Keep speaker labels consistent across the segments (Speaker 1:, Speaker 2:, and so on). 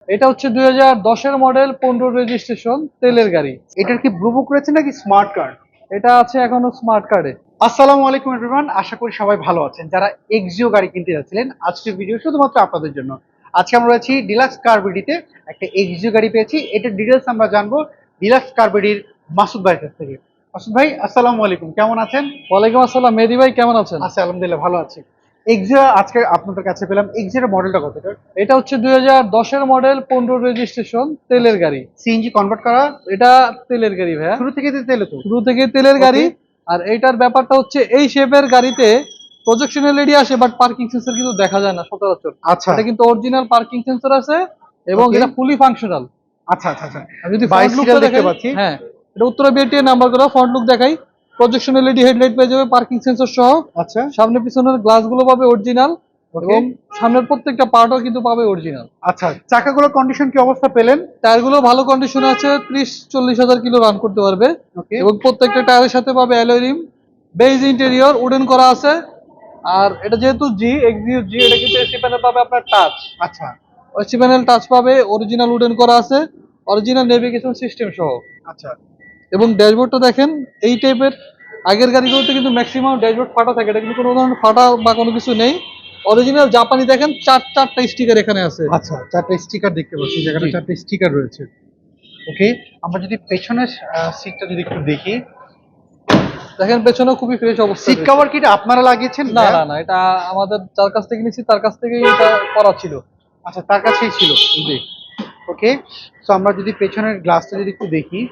Speaker 1: এটা হচ্ছে 2010-এর model, 15 registration, তেলের গাড়ি।
Speaker 2: এটার কি ব্লু বুক রয়েছে নাকি স্মার্ট কার্ড?
Speaker 1: এটা আছে এখনো স্মার্ট কার্ডে।
Speaker 2: আসসালামু আলাইকুম এভরিওয়ান, আশা করি সবাই ভালো আছেন। যারা এক্সিও গাড়ি কিনতে যাচ্ছিলেন, আজকের ভিডিও শুধুমাত্র আপনাদের জন্য। আজকে আমরা রয়েছি ডিলাক্স কার বিডিতে, একটা এক্সিও গাড়ি পেয়েছি। এটার ডিটেলস আমরা জানবো ডিলাক্স কার বিডির মাসুদ ভাইয়ের কাছ থেকে। মাসুদ ভাই, আসসালামু আলাইকুম, কেমন আছেন?
Speaker 1: ওয়ালাইকুম আসসালাম, মেহেদী ভাই কেমন আছেন?
Speaker 2: আচ্ছা, আলহামদুলিল্লাহ ভালো আছি। এক্সিও আজকে আপনাদের কাছে পেলাম। এক্সিওর মডেলটা কত?
Speaker 1: এটা হচ্ছে 2010-এর মডেল, 15 রেজিস্ট্রেশন, তেলের গাড়ি।
Speaker 2: সিএনজি কনভার্ট করা?
Speaker 1: এটা তেলের গাড়ি ভাইয়া,
Speaker 2: শুরু থেকে তেলে তো?
Speaker 1: শুরু থেকে তেলের গাড়ি। আর এইটার ব্যাপারটা হচ্ছে এই শেপের গাড়িতে প্রজেকশন এলইডি আসে, বাট পার্কিং সেন্সর কিন্তু দেখা যায় না সচরাচর।
Speaker 2: আচ্ছা,
Speaker 1: এটা কিন্তু অরিজিনাল পার্কিং সেন্সর আছে এবং এটা ফুলি ফাংশনাল।
Speaker 2: আচ্ছা আচ্ছা আচ্ছা।
Speaker 1: আমি যদি ফ্রন্ট লুকটা দেখতে পাচ্ছি, হ্যাঁ এটা উত্তরা বিআরটিএ নাম্বার করা। ফ্রন্ট লুক দেখাই, প্রজেকশন এলইডি হেডলাইট পেয়ে যাবে, পার্কিং সেন্সর সহ।
Speaker 2: আচ্ছা,
Speaker 1: সামনে পিছনের গ্লাসগুলো পাবে অরিজিনাল এবং সামনের প্রত্যেকটা পার্টও কিন্তু পাবে অরিজিনাল।
Speaker 2: আচ্ছা, চাকাগুলোর কন্ডিশন কি অবস্থা পেলেন?
Speaker 1: টায়ারগুলো ভালো কন্ডিশনে আছে, 30-40 হাজার কিলো রান করতে পারবে।
Speaker 2: ওকে।
Speaker 1: এবং প্রত্যেকটা টায়ারের সাথে পাবে alloy rim, beige interior, wooden করা আছে। আর এটা যেহেতু এক্সিও জি, এটা কিন্তু এসি প্যানেল পাবে আপনার টাচ।
Speaker 2: আচ্ছা
Speaker 1: এসি প্যানেল টাচ পাবে, অরিজিনাল উডেন করা আছে, অরিজিনাল নেভিগেশন সিস্টেম সহ।
Speaker 2: আচ্ছা
Speaker 1: এবং ড্যাশবোর্ডটা দেখেন এই টাইপের। আগের গাড়িগুলোতে কিন্তু ম্যাক্সিমাম ড্যাশবোর্ড ফাটা থাকে, এটা কিন্তু কোনো ধরনের ফাটা বা কোনো কিছু নেই। অরিজিনাল জাপানি দেখেন, চারটা স্টিকার এখানে আছে।
Speaker 2: আচ্ছা, চারটা স্টিকার দেখতে পাচ্ছি, জায়গাটা
Speaker 1: জি।
Speaker 2: চারটা স্টিকার রয়েছে। ওকে, আমরা যদি পেছনের সিটটা যদি একটু দেখি,
Speaker 1: দেখেন পেছনেও খুবই ফ্রেশ অবস্থা।
Speaker 2: সিট কভার কি এটা আপনারা লাগিয়েছেন?
Speaker 1: না না না, এটা আমাদের যার কাছ থেকে নিয়েছি তার কাছ থেকেই এটা করা ছিল।
Speaker 2: আচ্ছা, তার কাছেই ছিল।
Speaker 1: জি।
Speaker 2: ওকে, তো আমরা যদি পেছনের গ্লাসটা যদি একটু দেখি,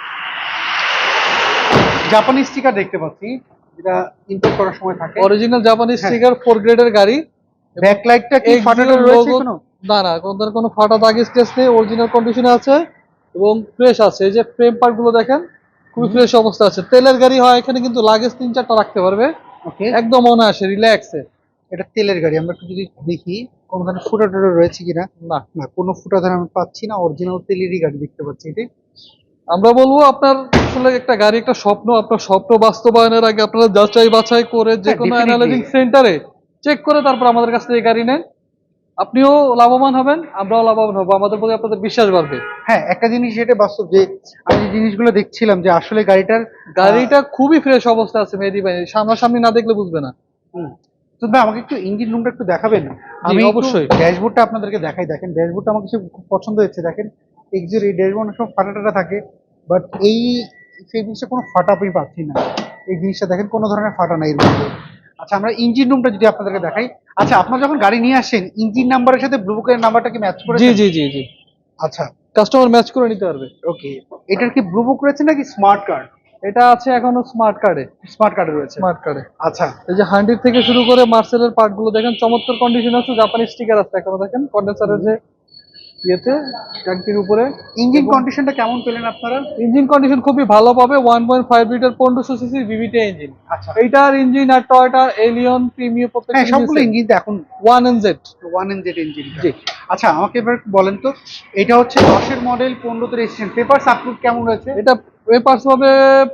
Speaker 2: জাপানি স্টিকার দেখতে পাচ্ছি, যেটা ইম্পোর্ট করার সময় থাকে।
Speaker 1: অরিজিনাল জাপানি
Speaker 2: হ্যাঁ।
Speaker 1: স্টিকার, 4 গ্রেডের গাড়ি।
Speaker 2: ব্যাকলাইটটা কি ফাটানো
Speaker 1: এক্সিও
Speaker 2: রয়েছে
Speaker 1: লোগো,
Speaker 2: কোনো?
Speaker 1: না না, কোনো ফাটা দাগ স্কেচ নেই, অরিজিনাল কন্ডিশনে আছে এবং ফ্রেশ আছে। এই যে ফ্রেম পার্ট গুলো দেখেন, খুবই ফ্রেশ অবস্থা আছে। তেলের গাড়ি হয়, এখানে কিন্তু লাগেজ 3-4টা রাখতে পারবে
Speaker 2: ওকে,
Speaker 1: একদম অনায়াসে, রিল্যাক্সে।
Speaker 2: এটা তেলের গাড়ি। আমরা একটু যদি দেখি কোনো ধরনের ফুটা টুটা রয়েছে কিনা।
Speaker 1: না,
Speaker 2: না, কোনো ফুটা ধরে আমি পাচ্ছি না, অরিজিনাল তেলেরই গাড়ি দেখতে পাচ্ছি এটি।
Speaker 1: আমরা বলবো আপনার আসলে একটা গাড়ি একটা স্বপ্ন, আপনার স্বপ্ন বাস্তবায়নের আগে আপনারা যাচাই বাছাই করে যে কোনো
Speaker 2: definitely।
Speaker 1: অ্যানালাইজিং সেন্টারে চেক করে তারপর আমাদের কাছ থেকে গাড়ি নেন। আপনিও লাভবান হবেন, আমরাও লাভবান হবো, আমাদের প্রতি আপনাদের বিশ্বাস বাড়বে।
Speaker 2: হ্যাঁ, একটা জিনিস এটা বাস্তব যে আমি যে জিনিসগুলো দেখছিলাম যে আসলে
Speaker 1: গাড়িটা খুবই ফ্রেশ অবস্থা আছে মেহেদী ভাই, সামনাসামনি না দেখলে বুঝবে না।
Speaker 2: তো ভাই আমাকে একটু ইঞ্জিন রুমটা একটু দেখাবেন? আমি
Speaker 1: অবশ্যই।
Speaker 2: ড্যাশবোর্ডটা আপনাদেরকে দেখাই। দেখেন ড্যাশবোর্ডটা আমার কাছে খুব পছন্দ হয়েছে। দেখেন এক্সির এই ড্যাশবোর্ড সব ফাটা টাটা থাকে, বাট সেই জিনিসটা কোনো ফাটা আমি পাচ্ছি না। এই জিনিসটা দেখেন কোনো ধরনের ফাটা নাই এর মধ্যে। আচ্ছা, আমরা ইঞ্জিন রুমটা যদি আপনাদেরকে দেখাই। আচ্ছা, আপনারা যখন গাড়ি নিয়ে আসেন ইঞ্জিন নাম্বারের সাথে ব্লু বুকের নাম্বারটা কি ম্যাচ করে?
Speaker 1: জি জি জি জি,
Speaker 2: আচ্ছা
Speaker 1: কাস্টমার ম্যাচ করে নিতে পারবে।
Speaker 2: ওকে, এটার কি ব্লু বুক রয়েছে নাকি স্মার্ট কার্ড?
Speaker 1: এটা আছে এখনো স্মার্ট কার্ডে।
Speaker 2: স্মার্ট কার্ডে রয়েছে।
Speaker 1: স্মার্ট কার্ডে।
Speaker 2: আচ্ছা
Speaker 1: এই যে হান্ডির থেকে শুরু করে মার্সেলের পার্ট গুলো দেখেন, চমৎকার কন্ডিশন আছে, জাপানি স্টিকার আছে এখনো। দেখেন কন্ডেন্সারের যে ইয়েতে, ট্যাঙ্কির উপরে।
Speaker 2: ইঞ্জিন কন্ডিশনটা কেমন পেলেন আপনারা?
Speaker 1: ইঞ্জিন কন্ডিশন খুবই ভালো পাবে, 1.5 লিটার 1500 সিসি ভিভিটি ইঞ্জিন।
Speaker 2: আচ্ছা,
Speaker 1: এইটার ইঞ্জিন আর টয়োটা এলিয়ন প্রিমিয়াম
Speaker 2: হ্যাঁ
Speaker 1: প্রত্যেকটা
Speaker 2: সবগুলো ইঞ্জিন তো এখন
Speaker 1: 1NZ।
Speaker 2: 1NZ engine.
Speaker 1: জি।
Speaker 2: আচ্ছা, আমাকে এবার বলেন তো, এটা হচ্ছে 10-এর মডেল, 15তে রেজিস্ট্রেশন, পেপারস আপলোড কেমন রয়েছে?
Speaker 1: এটা পেপারস পাবে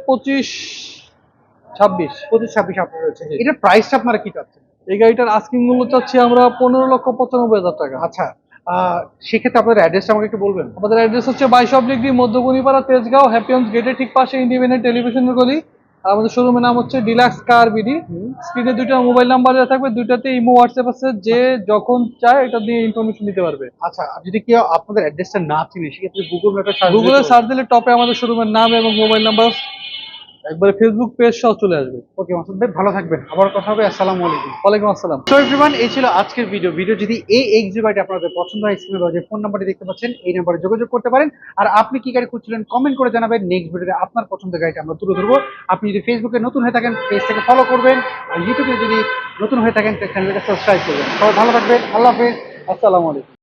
Speaker 1: 25-26।
Speaker 2: 25-26 আপলোড রয়েছে।
Speaker 1: জি।
Speaker 2: এটার প্রাইসটা আপনারা কি চাচ্ছেন?
Speaker 1: এই গাড়িটার আস্কিং মূল্য চাচ্ছি আমরা 15,95,000 টাকা।
Speaker 2: আচ্ছা, সেক্ষেত্রে আপনাদের অ্যাড্রেসটা আমাকে একটু বলবেন?
Speaker 1: আমাদের অ্যাড্রেস হচ্ছে 22 মধ্যগুনিপাড়া, তেজগাঁও, হ্যাপিয়ন্স গেটের ঠিক পাশে ইন্ডিপেন্ডেন্ট টেলিভিশনের গলি। আর আমাদের শোরুমের নাম হচ্ছে ডিলাক্স কার বিডি। স্ক্রিনে 2টা মোবাইল নাম্বার দেওয়া থাকবে, 2টাতে ইমো হোয়াটসঅ্যাপ আছে, যে যখন চায় এটা দিয়ে ইনফরমেশন দিতে পারবে।
Speaker 2: আচ্ছা, আর যদি কেউ আপনাদের অ্যাড্রেসটা না চিনে সেক্ষেত্রে গুগল ম্যাপে সার্চ
Speaker 1: গুগলে সার্চ দিলে টপে আমাদের শোরুমের নাম এবং মোবাইল নাম্বার, একবারে ফেসবুক পেজ সহ চলে আসবে।
Speaker 2: ওকে মাসুদ ভাই, ভালো থাকবেন, আবার কথা হবে। আসসালামু আলাইকুম।
Speaker 1: ওয়ালাইকুম আসসালাম।
Speaker 2: তো এভরিওয়ান, এই ছিল আজকের ভিডিও যদি এই এক্সিও গাড়িটা আপনাদের পছন্দ হয়, স্ক্রিনে দেওয়া যে ফোন নাম্বারটি দেখতে পাচ্ছেন এই নাম্বারে যোগাযোগ করতে পারেন। আর আপনি কি গাড়ি খুঁজছিলেন কমেন্ট করে জানাবেন। নেক্সট ভিডিওতে আপনার পছন্দের গাড়িটা আমরা তুলে ধরবো। আপনি যদি ফেসবুকে নতুন হয়ে থাকেন পেজটাকে ফলো করবেন, আর ইউটিউবে যদি নতুন হয়ে থাকেন চ্যানেলটাকে সাবস্ক্রাইব করবেন। সবাই ভালো থাকবেন, আল্লাহ হাফেজ, আসসালামু আলাইকুম।